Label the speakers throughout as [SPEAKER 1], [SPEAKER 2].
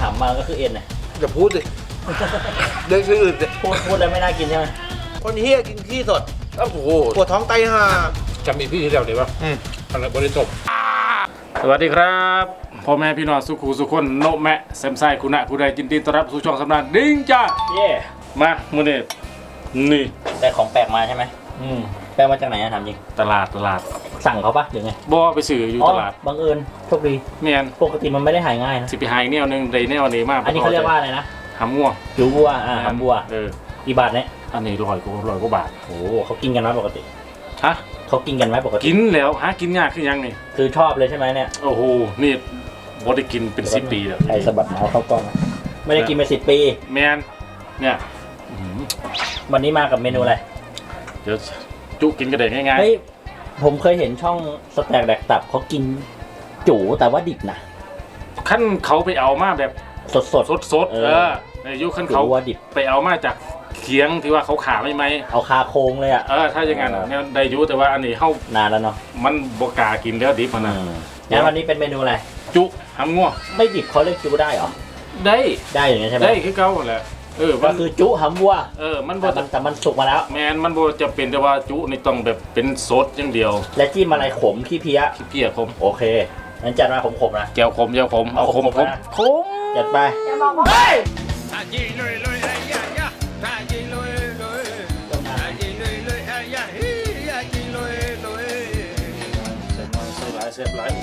[SPEAKER 1] ำมาก็คือเอ็นนะ
[SPEAKER 2] อย่าพูดสิเรื่องชื่ออื่นสิ
[SPEAKER 1] พูดแล้วไม่น่ากินใช่ไหม
[SPEAKER 2] คนเฮียกินขี้สดโอ้โหปวดท้องไตห่า
[SPEAKER 3] จำอีพี่ที่เดียวเดี๋ยวป่ะอะไรบริจบสวัสดีครับพ่อแม่พี่น้องสุขูสุขคนโนแมะแซมไซคุณะผู้ใดยินดีต้อนรับสู่ช่องสำนักดิ้งจ้า
[SPEAKER 1] เย่
[SPEAKER 3] มามื้อนี้นี่
[SPEAKER 1] แต่ของแปลกมาใช่ไหมแปลกมาจากไหนอะถามจริง
[SPEAKER 3] ตลาด
[SPEAKER 1] สั่งเขาปะหรือไง
[SPEAKER 3] บ่ไปซื้ออยู่ตลาด
[SPEAKER 1] บังเอิญโชคดี
[SPEAKER 3] เมียน
[SPEAKER 1] ปกติมันไม่ได้หายง่ายนะ
[SPEAKER 3] สิไปหาอีกแนวหนึงได้แนวนี้มาก
[SPEAKER 1] อันนี้เขาเรียกว่าอะไรนะ
[SPEAKER 3] หำง่วง
[SPEAKER 1] จูบัวหำบัว กี่บาทเนี่ย
[SPEAKER 3] อันนี้ร้อยกว่าบาท
[SPEAKER 1] โอ้โหเขากินกันไหมปกติ
[SPEAKER 3] ฮะ
[SPEAKER 1] เขากินกันไหมปกติ
[SPEAKER 3] กินแล้วหากินยากคือยังนี่
[SPEAKER 1] คือชอบเลยใช่ไหมเนี่ย
[SPEAKER 3] โอ้โหนี่บ่ได้กินเป็น10 ปีแล้ว
[SPEAKER 1] ไอ้สะบัดเมาส์เข้ากล้องนะไม่ได้กินมา10 ปี
[SPEAKER 3] แมนเนี่ย
[SPEAKER 1] วันนี้มากับเมนูอะไร
[SPEAKER 3] เดี๋ยวจุกินกระเด็นง่าย
[SPEAKER 1] เฮ้ยผมเคยเห็นช่องสแต็กแดกตับเขากินจูแต่ว่าดิบนะ
[SPEAKER 3] ๆขั้นเขาไปเอามาแบบ
[SPEAKER 1] สด
[SPEAKER 3] สดในยุคขั้นเขา
[SPEAKER 1] จูว่าดิบ
[SPEAKER 3] ไปเอามาจากเขียงที่ว่าเขาขาไม่ไหม
[SPEAKER 1] เอาคาโครงเลยอ่ะ
[SPEAKER 3] ถ้าอย่างนั้นเนี่ยได้อยุแต่ว่าอันนี้เขา
[SPEAKER 1] นานแล้วเนาะ
[SPEAKER 3] มันบกล้ากินแล้วดิบมันนะ
[SPEAKER 1] งั้นวันนี้เป็นเมนูอะไร
[SPEAKER 3] จุหำง่วง
[SPEAKER 1] ไม่ดิบเขาเรียกจูได้เหรอ
[SPEAKER 3] ได้
[SPEAKER 1] ได้อย่างนี้ใช่ไหม
[SPEAKER 3] ได้คือเก่าแหละมั
[SPEAKER 1] ก็
[SPEAKER 3] น
[SPEAKER 1] คือจุหำวัว
[SPEAKER 3] มันบ่
[SPEAKER 1] แต่มันสุกมาแล้ว
[SPEAKER 3] แมนมันบ่จะเป็นแต่ว่าจุนี่ต้องแบบเป็นสดอย่างเดียว
[SPEAKER 1] และจิ้มอะไรขมขี้เพี้ย
[SPEAKER 3] เพี้ยขม
[SPEAKER 1] โอเคงั้นจัดมาขมๆนะ
[SPEAKER 3] แก้วขมแก้วขมเอาขม
[SPEAKER 1] ขมนะ
[SPEAKER 3] ขม
[SPEAKER 1] จัดไป
[SPEAKER 4] อย่าบอกว่า
[SPEAKER 5] ถ้ายิงเลยเลยไอ้ยะยะถ้ายิงเลยเลยถ้ายิงเลยเลยไอ้ยะฮิยะยิงเลยเลย
[SPEAKER 3] เสียบหลายเสียบหลาย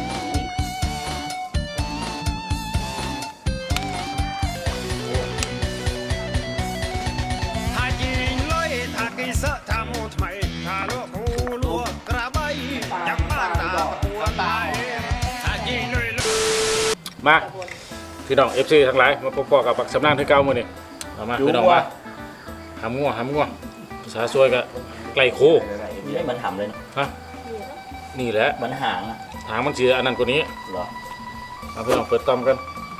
[SPEAKER 5] ถ้ายิงเลยถ้ากินเสะถ้ามูทำไมถ้าลวกหูลวกกระใบยังบ้านตาปวดตายถ้ายิงเลยเลย
[SPEAKER 3] มาพี่น้อง FC ทั้งหลายมาพบกับปักสำนักที่เก่ามื้อนี้เอามาพี่น้องมาหำง่วงภาษาซวยก็ไก่โค
[SPEAKER 1] ไม่เหมือนหำเลยเนอะ
[SPEAKER 3] ฮะนี่แหละ
[SPEAKER 1] เหมือนหางอะ
[SPEAKER 3] หางมันเสียอันนั้นกว่านี้
[SPEAKER 1] เหรอ
[SPEAKER 3] เอาพี่น้องเปิดต้อมกัน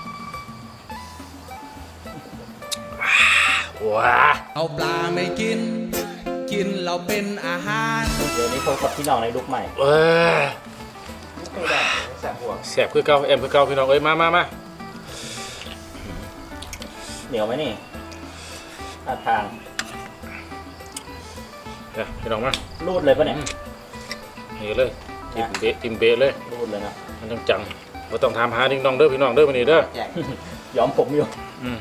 [SPEAKER 3] ว้า
[SPEAKER 6] เอาปลาไม่กิน กินเราเป็นอาหาร
[SPEAKER 1] เดี๋ยวนี้พบกับพี่น้องในลุกใหม่
[SPEAKER 3] แสบคือเก่าแอมคือเก่าพี่น้องเอ้ยมา
[SPEAKER 1] เหนียวไหมนี่ท่าทาง
[SPEAKER 3] เดี๋ยวพี่น้องมา
[SPEAKER 1] รูดเลยปะเนี่ย
[SPEAKER 3] นี่เลยจิ้มเบะเลย
[SPEAKER 1] รูดเลยนะ
[SPEAKER 3] มันจังเราต้องถามหาดิ้งดองเด้อพี่น้องเด้อวันนี้เด้อ
[SPEAKER 1] ย้อมผมอยู่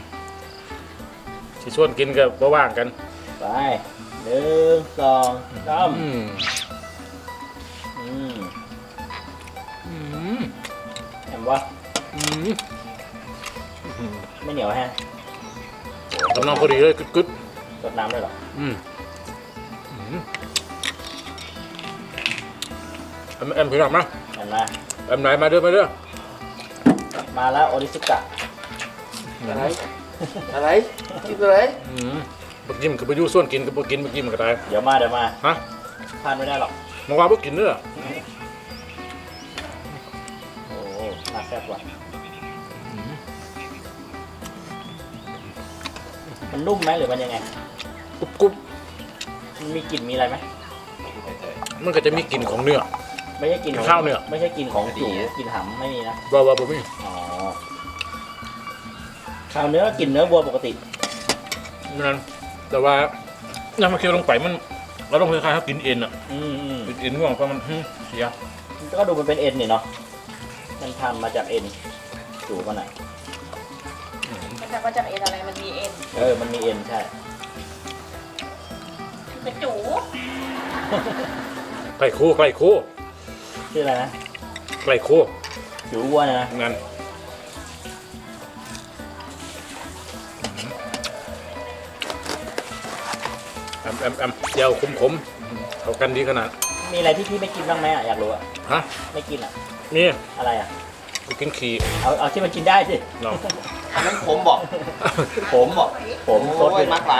[SPEAKER 3] ที่ชวนกินกับว่างกัน
[SPEAKER 1] ไป1 2 3เห็นว่าไม่เหนียวแฮะ
[SPEAKER 3] กำลังพอดีเลยกึด
[SPEAKER 1] รดน้ำด้วยเหรอ
[SPEAKER 3] แอมพี่น้องมา
[SPEAKER 1] เห็นไหม
[SPEAKER 3] แอมไหนมาเด้อ
[SPEAKER 1] มาแล้วโอริสุกะ
[SPEAKER 2] อะไรกินอะไร
[SPEAKER 3] บักยิ้มคือไปอยู่ส่วนกินกับบักกินบักยิ้มก็ได้
[SPEAKER 1] เดี๋ยวมา
[SPEAKER 3] ฮะ
[SPEAKER 1] พลาดไม่ได้หรอก
[SPEAKER 3] มาว่าบักกินเด้อ
[SPEAKER 1] โอ้น่าแซ่บว่ะมันนุ่มไหมหรือมันยังไง
[SPEAKER 3] กรุบ
[SPEAKER 1] มันมีกลิ่นมีอะไรไหม
[SPEAKER 3] มันก็จะมีกลิ่นของเนื้อ
[SPEAKER 1] ไม่ใช่กลิ่นของ
[SPEAKER 3] ข้าวเนี่ย
[SPEAKER 1] ไม่ใช่กลิ่นของจูกลิ่นหำไม่มีนะ
[SPEAKER 3] ว่าผมมี
[SPEAKER 1] อ๋อข้าวเนื้อกลิ่นเนื้อวัวปกติ
[SPEAKER 3] นั่นแต่ว่าน้ำมันเคี่ยวลงไปมันเราต้องคล้ายๆเขากินเอ็นอ่ะ
[SPEAKER 1] อืม
[SPEAKER 3] กินเอ็นง่วงเพราะมันเสีย
[SPEAKER 1] ก็ดูมันเป็นเอ็นนี่เนาะมันทำมาจากเอ็นจูมันอ่ะ
[SPEAKER 4] มันจะมาจากเอ็นอะไรมันมีเอ็น
[SPEAKER 1] มันมีเอ็นใช่
[SPEAKER 4] เป็นจู
[SPEAKER 3] ไก่โค
[SPEAKER 1] ชื่ออะไรนะ
[SPEAKER 3] ไก่โค
[SPEAKER 1] จูวัวเนยนะ
[SPEAKER 3] งั้นแอมเจียวขมเอากันดีขนาด
[SPEAKER 1] มีอะไรที่พี่ไม่กินบ้างไหมอ่ะอยากรู้อ่ะ
[SPEAKER 3] ฮะ
[SPEAKER 1] ไม่กินอ่ะ
[SPEAKER 3] นี่
[SPEAKER 1] อะไรอ่ะ
[SPEAKER 3] กูกินขี่
[SPEAKER 1] เอาที่มันกินได้สิ
[SPEAKER 3] เนาะ
[SPEAKER 2] อันนั้นผมบอก
[SPEAKER 1] ผมซด
[SPEAKER 2] โอ้ยมักหลาย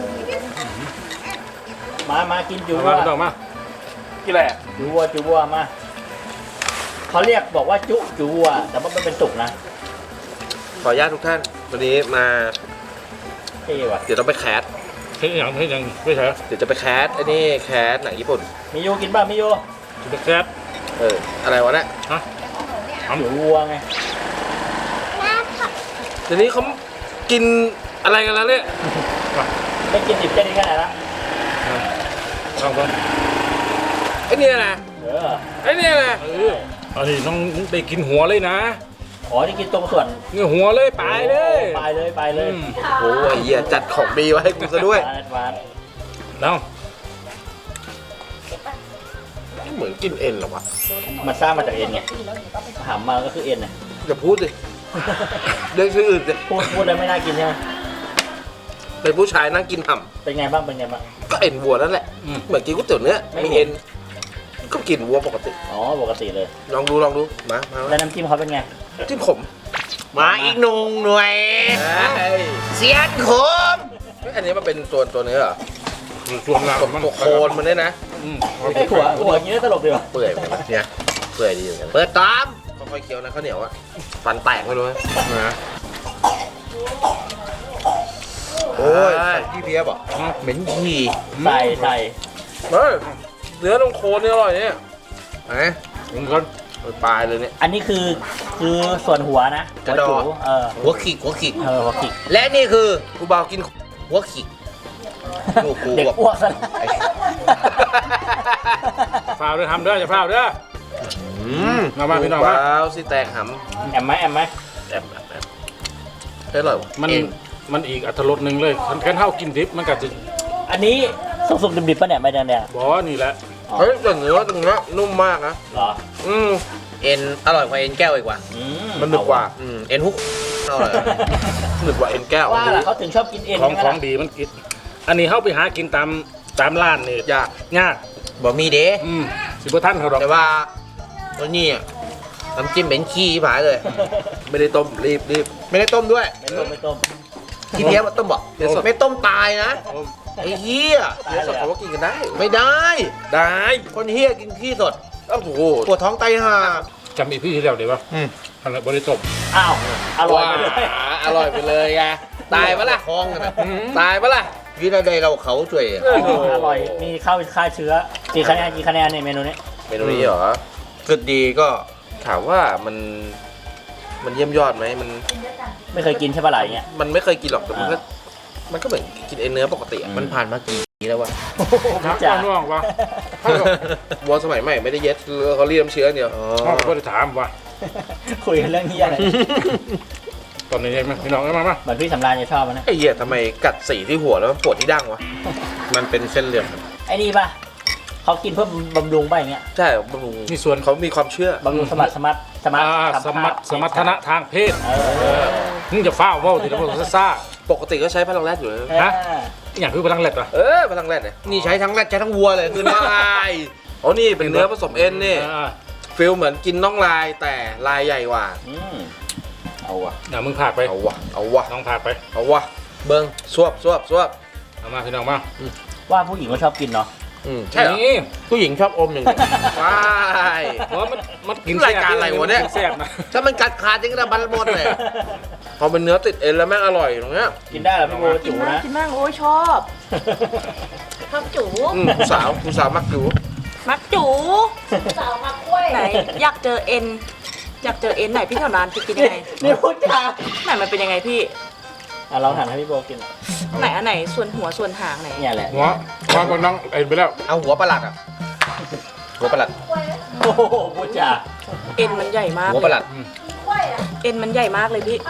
[SPEAKER 1] มากินจู
[SPEAKER 3] เอา
[SPEAKER 1] วั
[SPEAKER 3] มาว พี่น้องมา
[SPEAKER 2] กินอะไร
[SPEAKER 1] จูวัวมาเขาเรียกบอกว่าจูวัวแต่ว่ามันเป็นสุกนะ
[SPEAKER 2] ขออนุญาตทุกท่านวันนี้มา
[SPEAKER 1] เท่ว่ะ
[SPEAKER 2] เดี๋ยวต้องไปแคส
[SPEAKER 3] เฮ้ยยังไม่ใช่
[SPEAKER 2] เดี๋ยวจะไปแคสไอ้นี่แคสหนังญี่ปุ่น
[SPEAKER 1] มิโยกินบ้างมิโย
[SPEAKER 3] จะแซ่บ
[SPEAKER 2] อะไรวะเนี่ย
[SPEAKER 3] ฮะ
[SPEAKER 1] จูวัวไง
[SPEAKER 2] เดี๋ยวนี้เขากินอะไรกันแล้วเนี่ย
[SPEAKER 1] ไม่กินดิบแค่นี้แค่ไหนละ
[SPEAKER 3] ลองก่อน
[SPEAKER 2] ไอ้เนี่ยนะ
[SPEAKER 1] เออ
[SPEAKER 2] ไอ้เนี่ยนะ
[SPEAKER 3] อันนี้น้องได้กินหัวเลยนะ
[SPEAKER 1] อ๋อที่กินตรงส่วน
[SPEAKER 3] เนื้อหัวเลยไปเลย
[SPEAKER 1] ไปเลยไปเลย
[SPEAKER 2] โอ้ยเหี้ยจัดของดีไว้ให้กูซะด้วย
[SPEAKER 1] หวาน
[SPEAKER 3] น้อง
[SPEAKER 2] เหมือนกินเอ็นเหรอวะ
[SPEAKER 1] มันสร้างมาจากเอ็นไงหำมาก็คือเอ็นไง
[SPEAKER 2] อย่าพูดดิเรื่องชื่ออื่นดิ
[SPEAKER 1] พูดแล้วไม่น่ากินใช่ไหม
[SPEAKER 2] เป็นผู้ชายนั่งกินห่
[SPEAKER 1] เป็นไงบ้างเป็นไงบ้าง
[SPEAKER 2] ำก็เอ็นวัวนั่นแหละเหมือนกินก๋วยเตี๋ยวเนื้อ
[SPEAKER 1] ไม่
[SPEAKER 2] มี
[SPEAKER 1] เห็
[SPEAKER 2] เอ็
[SPEAKER 1] น
[SPEAKER 2] นก็กินวัวปกติ
[SPEAKER 1] อ๋อปกติเลย
[SPEAKER 2] ลองดูมา
[SPEAKER 1] แล้วน้ำจิ้มเขาเป็นไง
[SPEAKER 2] จิ้มขม
[SPEAKER 1] มาอีกหนุ่งหน่วย เสียนขม
[SPEAKER 2] เฮ้ยอันนี้มันเป็นตัวเนื้อเหรอ
[SPEAKER 3] ส่วนหลัง
[SPEAKER 2] ตัวโคนมันเนี่ยนะ
[SPEAKER 1] ไอ้หัวอย่างนี้น่าตลกดีว่ะ
[SPEAKER 2] เปื่อยเหมือนกันนะเนี่ยเปื่อยดีเหมือนกัน
[SPEAKER 1] เปิดตาม
[SPEAKER 2] ค่อยๆเคี้ยวนะข้าวเหนียวอะฟันแตกไม่รู้นะโอ้ยพี่เพียบอ่ะเหม็นฉี่
[SPEAKER 1] ใส่
[SPEAKER 2] เฮ้ยเนื้อตรงโคนนี่อร่อยเนี่ยไหน
[SPEAKER 3] มันก็
[SPEAKER 2] ปลายเลยเนี่ย
[SPEAKER 1] อันนี้คือส่วนหัวนะ
[SPEAKER 2] กระดอก
[SPEAKER 1] หัวจู๋
[SPEAKER 2] หัวขีก
[SPEAKER 1] หัวขิก
[SPEAKER 2] และนี่คือกูบ่าวกินหัวขีก ลูกกู
[SPEAKER 1] เด็ก
[SPEAKER 2] แบบ
[SPEAKER 1] อ้วกซะแล้ว
[SPEAKER 3] ฝ้าวด้วยทำเด้ออย่าฝ้าวเด้อ มาพี่น้องมา
[SPEAKER 2] ว้าวสิแตกห
[SPEAKER 1] แอมไหมแอมไหม
[SPEAKER 2] ำแอบเฮ้ยอร่อยวะ
[SPEAKER 3] มันอีกอัตรสหนึ่งเลยคันเท่ากินดิบมันก็จะ
[SPEAKER 1] อันนี้สุกๆดิบๆป่ะเนี่ยใบแดง
[SPEAKER 3] บอกนี่แหละ
[SPEAKER 2] เฮ้ยแต่เนื้อตรงนี้นุ่มมากนะ
[SPEAKER 1] ๆเหรอ
[SPEAKER 2] เอ็นอร่อยกว่าเอ็นแก้วอีกว่า มันหนึบกว่าเอ็นฮุกอร่อยหนึบกว่าเอ็นแก้ว
[SPEAKER 1] ว่าล่ะเขาถึงชอบกินเอ็น
[SPEAKER 3] ของ
[SPEAKER 1] ใช่ไหม
[SPEAKER 3] ของ
[SPEAKER 1] ล่ะ
[SPEAKER 3] ดีมันกินอันนี้เข้าไปหากินตามร้านนี่
[SPEAKER 2] ยาก
[SPEAKER 3] ยาก
[SPEAKER 2] บ่มีเด้
[SPEAKER 3] สิบท่านเขาดอก
[SPEAKER 2] แต่ว่าตัวนี้อะน้ำจิ้มเป็นขี้ผายเลย ไม่ได้ต้มรีบไม่ได้ต้มด้วย
[SPEAKER 1] ไม่ต้ม
[SPEAKER 2] ที่เพี้ยต้มบอกไม่ต้มตายนะไอ้เหี้ยเนื้อสดเขาก็กินกันได้ ไม่ได้ ได้ คนเหี้ยกินขี้สดโอ้โหปวดท้องไตห่า
[SPEAKER 3] จำอีพี่ที่แล้วดีป่ะอะไรบริจบ
[SPEAKER 1] อ้าวอร่อยไปเลย
[SPEAKER 2] อร่อยไปเลยไงตายปะล่ะท้องกันนะตายปะล่ะวินาทีเราเขาช่วย
[SPEAKER 1] อร่อยมีข้าวฆ่าเชื้อกี่คะแนนในเมนูนี้
[SPEAKER 2] เมนูนี้เหรอคือดีก็ถามว่ามันเยี่ยมยอดไหมมัน
[SPEAKER 1] ไม่เคยกินใช่ปะไหลเงี้ย
[SPEAKER 2] มันไม่เคยกินหรอกแต่มันก็เหมือนกินเอ็นเนื้อปกติอะมันผ่านมากี่ปีแล้ววะ
[SPEAKER 3] นะว่าน้องวะ
[SPEAKER 2] วัวสมัยใหม่ไม่ได้เย็ดเขาเรียมเชื้อเดียว
[SPEAKER 3] น้องก็ได้ถามว่า
[SPEAKER 1] คุยกันเรื่องนี้อะไร
[SPEAKER 3] ตอนนี้ยังไหมพี่น้องมา
[SPEAKER 1] เหมือนพี่สำราญจะชอบมันนะ
[SPEAKER 2] ไอ้เหี้ยทำไมกัดสีที่หัวแล้วมันปวดที่ดั้งวะมันเป็นเส้นเลือด
[SPEAKER 1] ไอ้นี่ปะเขากินเพื่อบำรุงป่ะอย่างเงี้ย
[SPEAKER 2] ใช่บำรุง
[SPEAKER 3] นี่ส่วน
[SPEAKER 2] เขามีความเชื่อบ
[SPEAKER 1] ำรุงสมรรถ
[SPEAKER 3] สมรรถนะทางเพศมึงจะฟ้าวว่าทีละคนซ่า
[SPEAKER 2] ปกติก็ใช้พลังแรดอยู่เลย
[SPEAKER 3] ฮะอย่างคือพลังแหลกเหรอ
[SPEAKER 2] พลังแรดเนี่ยนี่ใช้ทั้งแรดใช้ทั้งวัวเลยคือเนื้อลายอ๋อนี่เป็นเนื้อผสมเอ็นนี่ฟิลเหมือนกินน่องลายแต่ลายใหญ่กว่า
[SPEAKER 1] เอาวะ
[SPEAKER 3] อย่ามึงผ่าไป
[SPEAKER 2] เอาวะ
[SPEAKER 3] น้องผ่าไป
[SPEAKER 2] เอาวะเบิ้งสวบ
[SPEAKER 3] เอามาพี่น้องมา
[SPEAKER 1] ว่าผู้หญิงก็ชอบกินเนาะ
[SPEAKER 2] ใช่เหรอ
[SPEAKER 3] นี่
[SPEAKER 2] ผู้หญิงชอบอมอย่างเดียวว้าย
[SPEAKER 3] เพราะมันกิน
[SPEAKER 2] รายการอะไรวะเนี่ย
[SPEAKER 3] แซ่บนะ
[SPEAKER 2] ถ้ามันกัดขาดจริงก็จะบันหมดเลยพอเป็นเนื้อติดเอ็นแล้วแม่งอร่อยตรงเนี้ย
[SPEAKER 1] กินได้เหรอพี่โบ
[SPEAKER 4] กิ
[SPEAKER 1] จู๋
[SPEAKER 4] นมาก
[SPEAKER 1] นะ
[SPEAKER 4] กินมากโอ้ยชอบชอบจู
[SPEAKER 2] ผู้สาวมักอยู่
[SPEAKER 4] มักจูสาวมักกล้วยไหนอยากเจอเอ็นไหนพี่แถวนั้นจะกินยังไง
[SPEAKER 1] นี่พูดจา
[SPEAKER 4] ไหนมันเป็นยังไงพี่
[SPEAKER 1] เราหันให้พี่โบกิน
[SPEAKER 4] ไหนอันไหนส่วนหัวส่วนหางไหน
[SPEAKER 1] เนี่ยแหละ
[SPEAKER 3] หัวคนน้องเอ็นไปแล้ว
[SPEAKER 2] เอาหัวประหลัดอ่ะหัวประหลัด
[SPEAKER 1] โอ้โหพูดจา
[SPEAKER 4] เอ็นมันใหญ่มาก
[SPEAKER 2] หัวประหลัด
[SPEAKER 4] เอ็นมันใหญ่มากเลยพี่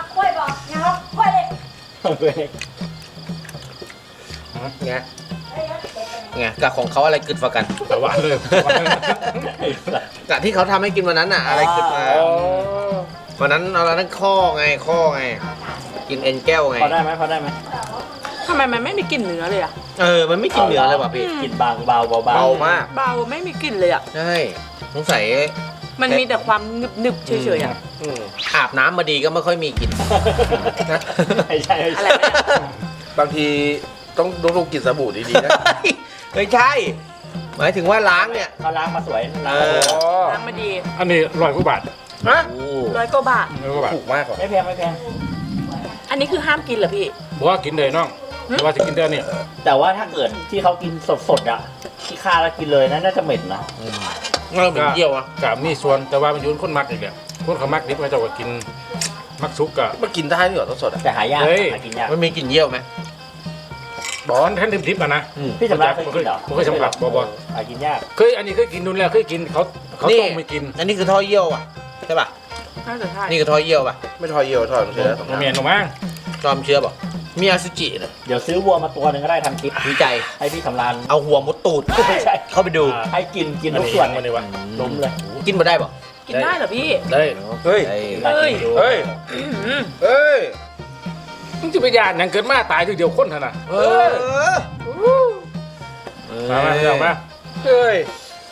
[SPEAKER 2] ไงกับของเขาอะไรกึดกว่ากัน
[SPEAKER 3] แต่ว่าเลย
[SPEAKER 2] กับที่เขาทำให้กินวันนั้นน่ะอะไรกึดมาวันนั้นเอาแล้วนั่นข้อไงกินเอ็นแก้วไง
[SPEAKER 1] พอได้ไหม
[SPEAKER 4] ทำไมมันไม่มีกลิ่นเนื้อเลยอะ
[SPEAKER 2] มันไม่กินเนื้อเลยว่ะพี่
[SPEAKER 1] กินบางเบา
[SPEAKER 2] เบามาก
[SPEAKER 4] เบาไม่มีกลิ่นเลยอะ
[SPEAKER 2] ใช่สงสัย
[SPEAKER 4] มันมีแต่ความหนึบๆเฉยๆอะ
[SPEAKER 2] อาบน้ำมาดีก็ไม่ค่อยมีกลิ่นนะ
[SPEAKER 1] ไม่ใช่
[SPEAKER 4] อะไรวะเนี่ย
[SPEAKER 2] บางทีต้องดูกลิ่นสบู่ดีๆนะไม่ใช่ หมายถึงว่าล้างเนี่ย
[SPEAKER 1] เขาล้างมาสวยล้าง
[SPEAKER 4] ล้างมาดี
[SPEAKER 3] อันนี้100 กว่าบาท
[SPEAKER 2] ฮะ
[SPEAKER 4] 100 กว่าบาท
[SPEAKER 3] 100 กว่าบาท
[SPEAKER 2] ถูกมากกว่า
[SPEAKER 1] ไม่แพง
[SPEAKER 4] อันนี้คือห้ามกินเหรอพี่
[SPEAKER 3] บอกว่ากินเลยน้องแต่ว่าจะกินได้เนี่ย
[SPEAKER 1] แต่ว่าถ้าเกิดที่เขากินสดๆอ่ะที่ฆ่าแล้วกินเลยนะน่าจะเหม็นนะ
[SPEAKER 2] เราเหมือนเยี่ยวอ่ะ
[SPEAKER 3] กับมีส่วนแต่ว่ามันอยุ่นคนมักอีกแหละคนเขามักดิบเขาจะว่ากินมักซุกกะ
[SPEAKER 2] มันกินได้ด้วยเหรอต้นสดอ่ะ
[SPEAKER 1] แต่หายาก
[SPEAKER 3] เฮ้ย
[SPEAKER 1] หากินยาก
[SPEAKER 2] มันมีกลิ่นเยี่ยวไหม
[SPEAKER 3] บอลแท่นทิพย์อ่ะนะ
[SPEAKER 1] พี่สำราญเคยกินเหรอ
[SPEAKER 3] ไม่เคยสำหรับบอล
[SPEAKER 1] หากินยาก
[SPEAKER 3] เคยอันนี้เคยกินนู่นแล้วเคยกินเขาต้มไม่กิน
[SPEAKER 2] อันนี้คือท่อเยี่ยวอ่ะใช่ป่ะ
[SPEAKER 4] น่าจะใช่
[SPEAKER 2] นี่คือท่อเยี่ยวป่ะไม่ท่อเยี่ยวท่อเชื้อ
[SPEAKER 3] มันเมียนหรือมั้ง
[SPEAKER 2] จอมเชื้อป่ะมีอสุจิเนี่ย
[SPEAKER 1] เดี๋ยวซื้อวัวมาตัวหนึ่งก็ได้ทำคลิป
[SPEAKER 2] วิจัย
[SPEAKER 1] ให้พี่สำราญ
[SPEAKER 2] เอาหัวมุดตูด
[SPEAKER 1] ไม่ใช่
[SPEAKER 2] เข้าไปดู
[SPEAKER 1] ให้กินทุกส่วน
[SPEAKER 3] มันเลยวะ
[SPEAKER 1] ล้มเลย
[SPEAKER 2] กินมาได้ป่ะ
[SPEAKER 4] กินได้เหรอพี่
[SPEAKER 3] ได้
[SPEAKER 2] เฮ้ย
[SPEAKER 1] ลองกินดู
[SPEAKER 2] เฮ้ยเฮ้ย
[SPEAKER 3] มึงจะไปยานยังเกิดมาตายทีเดียวคนเท่านั้น
[SPEAKER 2] เออ
[SPEAKER 3] มาเรื่องมา
[SPEAKER 2] เฮ้ย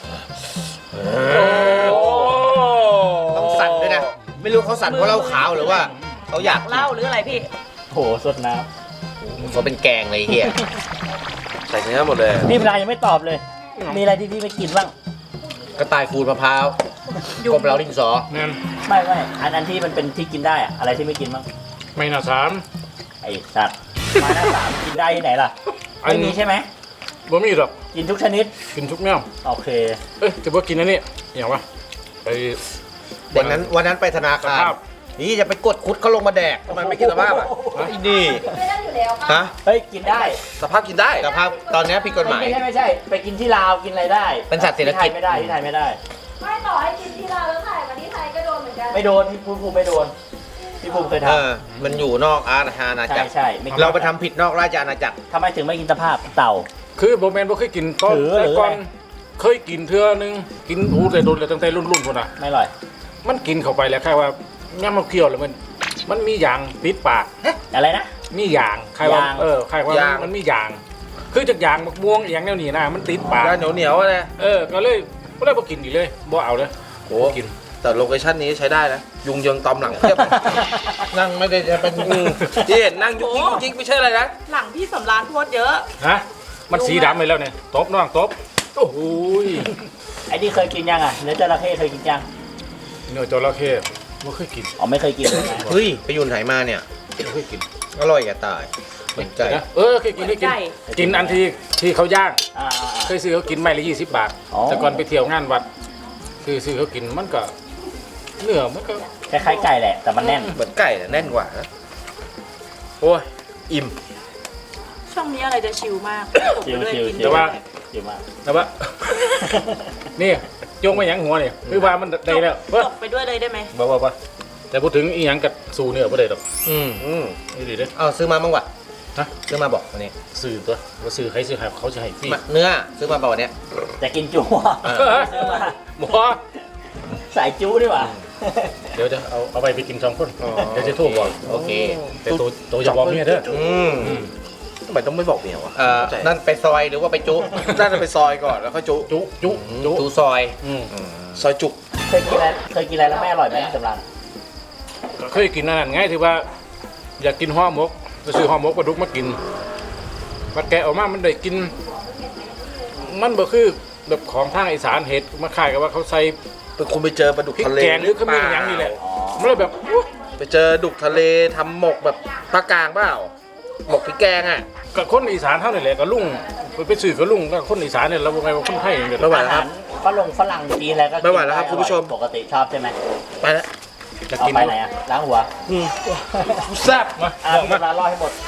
[SPEAKER 3] โอ้
[SPEAKER 2] ต้องสั่นด้วยนะไม่รู้เขาสั่นเพราะเหล้าขาวหรือว่าเขาอยาก
[SPEAKER 4] เหล้าหรืออะไรพี่
[SPEAKER 1] โหสดน้
[SPEAKER 2] เขาเป็นแกงเลยเฮียใส่เนื้อหมดเลย
[SPEAKER 1] ำพี่สำราญยังไม่ตอบเลย มีอะไรที่พี่ไม่กินบ้าง
[SPEAKER 2] กระต่ายขูดมะพร้าวกบเหลาดินสอ
[SPEAKER 3] นั่น
[SPEAKER 1] ไม่อันที่มันเป็นที่กินได้อะอะไรที่ไม่กินบ้าง
[SPEAKER 3] ไม่น่าสาม
[SPEAKER 1] ไอ้สัตว์ไม้หน้าสามกินได้ที่ไหนล่ะ
[SPEAKER 3] อัน
[SPEAKER 1] ไม่มีใช่ไหม
[SPEAKER 3] บ่มีหรอก
[SPEAKER 1] กินทุกชนิด
[SPEAKER 3] กินทุกแนว
[SPEAKER 1] โอเค
[SPEAKER 3] เอ้ยจะบ่กินอันนี้อย่างวะไป
[SPEAKER 2] วันนั้นไปธนา
[SPEAKER 3] ส
[SPEAKER 2] คาร
[SPEAKER 3] ภาพ
[SPEAKER 2] นี่จะไปกดคุดเขาลงมาแดกทำไมไม่กินสภาพอ่ะไอ้นี่ฮะ
[SPEAKER 1] เฮ้ยกินได้
[SPEAKER 2] สภาพกินได้สภาพตอนนี้ผิดกฎหมาย
[SPEAKER 1] ไม่ใช่ ไปกินที่ลาวกินอะไรได้
[SPEAKER 2] เป็นสัตว์เศรษฐกิจ
[SPEAKER 1] ที่ไทยไม่ได้ที่ไทยไม่ได้
[SPEAKER 7] ไม่ต่อให้กินที่ลาวแล้วถ่ายมาที่ไทยก็โดนเหมือนกัน
[SPEAKER 1] ไม่โดนพี่ภูมิไม่โดนพี่ภูมิเคยท
[SPEAKER 2] มันอยู่นอกอาณา
[SPEAKER 1] ำ
[SPEAKER 2] จั
[SPEAKER 1] ใช่
[SPEAKER 2] กร
[SPEAKER 1] ใช่ไม่กิน
[SPEAKER 2] เราไปทำผิดนอกราชอาณาจักร
[SPEAKER 1] ทำไมถึงไม่กินสภาพเต่า
[SPEAKER 3] คือโบแมนบ่เคยกินตอน
[SPEAKER 1] ถือ
[SPEAKER 3] แต่ก่อน
[SPEAKER 1] หรือไง
[SPEAKER 3] เคยกินเทื่อนึงกินหูแต่โดนเลยตั้งแต่รุ่นๆพุ่นน่ะ
[SPEAKER 1] ไม่อร่อย
[SPEAKER 3] มันกินเข้าไปแล้วแค่ว่าย่ำมันเคี้ยวแล้วมันมีอย่างติดปาก
[SPEAKER 1] อะไรนะ
[SPEAKER 3] มีอย่างใครว่าย
[SPEAKER 1] าง
[SPEAKER 3] ใครว่ามันมีอย่าง คือจากอย่างมะม่วงอย่างแนวนี้นะมันติดปาก
[SPEAKER 2] แล้วเหนียวๆนะ
[SPEAKER 3] ก็เลยบ่กินอีกเลยบ่เอาเลย
[SPEAKER 2] โอ้
[SPEAKER 3] บ่กิน
[SPEAKER 2] แต่โลเคชั่นนี้ใช้ได้นะยุงเยิงตอมหลังเทียบ นั่งไม่ได้จะเป็นที่เห็นนั่งยุกยิกยุกยิกไม่ใช่อะไรนะ
[SPEAKER 4] หลังพี่สำรานโพดเยอะ
[SPEAKER 3] ฮะมันสีดำไปแล้วเนี่ยตบน้องตบโอ้โหย
[SPEAKER 1] ไอ้นี่เคยกินยังอ่ะเนื้อจระเข้เคยกินยัง
[SPEAKER 3] เนื้อจระเข้บ่เคยกิน
[SPEAKER 1] อ๋อไม่เคยกินเลยนะ
[SPEAKER 2] เฮ้ยไปยุนไหนมาเนี่ย
[SPEAKER 3] บ่เคยกิน
[SPEAKER 2] อร่อยอย่าตายสนใจ
[SPEAKER 3] นะเคยกิน
[SPEAKER 4] ไก่
[SPEAKER 3] กินอันที่เขาย่าง
[SPEAKER 1] อ่า
[SPEAKER 3] เคยซื้อเขากินไม่ละ20 บาท
[SPEAKER 1] อ๋อ
[SPEAKER 3] แต่ก่อนไปเที่ยวงานวัดซื้อเขากินมันก็เนื้อมันก็
[SPEAKER 1] คล้ายๆไก่แหละแต่มันแน่น
[SPEAKER 2] เหมือนไก่แต่แน่นกว่านะโอ้ยอิ่ม
[SPEAKER 4] ช่วงนี้อะไรจะชิลมากผมก็เลยกิน
[SPEAKER 1] ชิล
[SPEAKER 3] แต่ว่า
[SPEAKER 1] เยอะมาก
[SPEAKER 3] แต่ว่า นี่โยงไปหยังหัวเนี่ยคือว่ามันได้แล้ว
[SPEAKER 4] จบไปด้วยเลยได้ไหม
[SPEAKER 3] บ่แต่พูดถึงอีหยังกับสู่เนื้อบ่ได้ดอก
[SPEAKER 2] อืม
[SPEAKER 3] นี่ดีเด้อ
[SPEAKER 2] เอาซื้อมาบ้างวะ
[SPEAKER 3] ฮะ
[SPEAKER 2] ซื้อมาบอกวันนี้
[SPEAKER 3] สื่อตัวว่าสื่อใครสื่อใครเขาจะให้ฟรี
[SPEAKER 2] เนื้อซื้อมาบอกวันนี้
[SPEAKER 1] แต่กินจุ๊
[SPEAKER 2] เออ
[SPEAKER 1] ซื้อมา
[SPEAKER 3] หมอ
[SPEAKER 1] สายจุ๊ดีกว่า
[SPEAKER 3] เดี๋ยวเอาไปกิน2 คนเดี๋ยวจะโทรบอก
[SPEAKER 2] โอเค
[SPEAKER 3] แต่ตัวจะบอกเมียเด้อ
[SPEAKER 2] ทำไมต้องไม่บอกเมียวะนั่นไปซอยหรือว่าไปจุน่าจะไปซอยก่อนแล้วค่อยจุ
[SPEAKER 3] จุ
[SPEAKER 2] จุซอย
[SPEAKER 3] อืม
[SPEAKER 2] ซอยจุ
[SPEAKER 1] เคยกินอะไรแล้วไม่อร่อยไหมสำรัน
[SPEAKER 3] เคยกินนั่นไงที่ว่า อยากกินห่อหมกไปซื้อห่อหมกปลาดุกมากินมาแกะออกมามันได้กิน มันบ่คือแบบของทางอีสานเห็ดมาขายกับว่าเขาใส่
[SPEAKER 2] เป็นคนไปเจอปลาดุก
[SPEAKER 3] พริก
[SPEAKER 2] ทะเล
[SPEAKER 3] แกงหรือขมิ้นอย่างนี้แหละมันเลยแบบอุ๊ย
[SPEAKER 2] ไปเจอดุกทะเลทำหมกแบบภาคกลางเปล่าหมกพริกแกงอ่ะ
[SPEAKER 3] กับคนอีสานเท่านี่แหละกับลุงไปสื่อกับลุงก็คนอีสานเนี่ยเราไงว่าคนไทยเนี่ย
[SPEAKER 2] ไม่ไหว
[SPEAKER 1] อา
[SPEAKER 2] แล้วค
[SPEAKER 1] หา
[SPEAKER 2] รับ
[SPEAKER 1] รฝรั่งจีนอะไรก็กิน
[SPEAKER 2] ไม่ไหวแล้วครับคุณผู้ชม
[SPEAKER 1] ปกติชอบใช่ไหม
[SPEAKER 2] ไปแล้ว
[SPEAKER 3] จะ
[SPEAKER 1] เอา
[SPEAKER 3] กิน
[SPEAKER 1] ไปไหนอ่ะล้างหัว
[SPEAKER 3] แซ่บมา
[SPEAKER 1] พี่สำรันรอให้หมด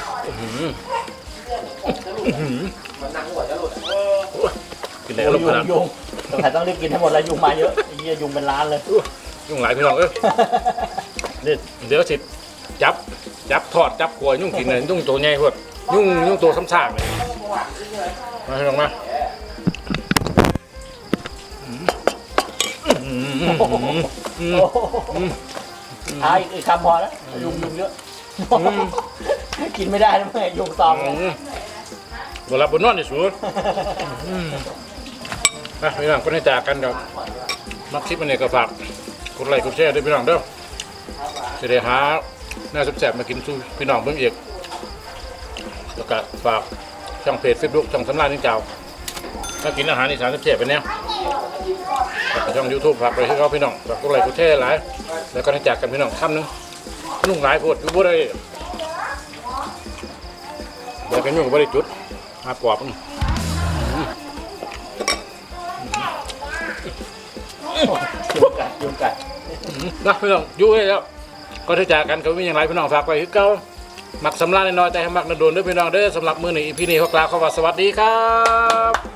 [SPEAKER 3] กินแล้วลงขนาด
[SPEAKER 1] ยุงสงสัยต้องรีบกินให้หมดแล้วยุงมาเยอะไอ้เหี้ยยุงเป็นล้านเลย
[SPEAKER 3] ยุ่งหลายพี่น้องนี่เดี๋ยวสิจับทอดจับกล้วยยุ่งกินเลยยุ่งตัวใหญ่พวดยุ่งตัวซ้ำซากเลยมาพี่น้องมา
[SPEAKER 1] เอาอีกคำพอแล้วยุงเยอะกินไม่ได้แล้วเมื่อยุงตอม
[SPEAKER 3] บนรับบนนอนในสวนพี่น้องคนให้จากกันกับมักคลิปมันเนี่ยก็ฝากกดไลค์กดแชร์ด้วยพี่น้องเด้อจะได้หาหน้าแซ่บๆมากินสู่พี่น้องเบิ่งอีกแล้วก็ฝากช่องเพจ Facebook ช่องสำราญนิ่งเจ้าถ้ากินอาหารอีสานแซ่บๆไปเนี่ยช่อง YouTube ฝากไปให้เขาพี่น้องฝากกดไลค์กดแชร์หลายแล้วก็ให้จากกันพี่น้องค่ำนึงนุ่งหลายโพดอยู่บ่ได้เดี๋ยวกันยุ่งบ่ได้จุดมาปอบ
[SPEAKER 1] ยุงกัด
[SPEAKER 3] นะพี่น้องอยู่ให้แล้วก็ที่จากกันก็มีอย่างไรพี่น้องฝากไว้คือเก่ามักสำราญน้อยแต่ให้มักนโดนเด้อพี่น้องเด้อสำหรับมื้อนี้พี่นี่ขอกล่าวคำว่าสวัสดีครับ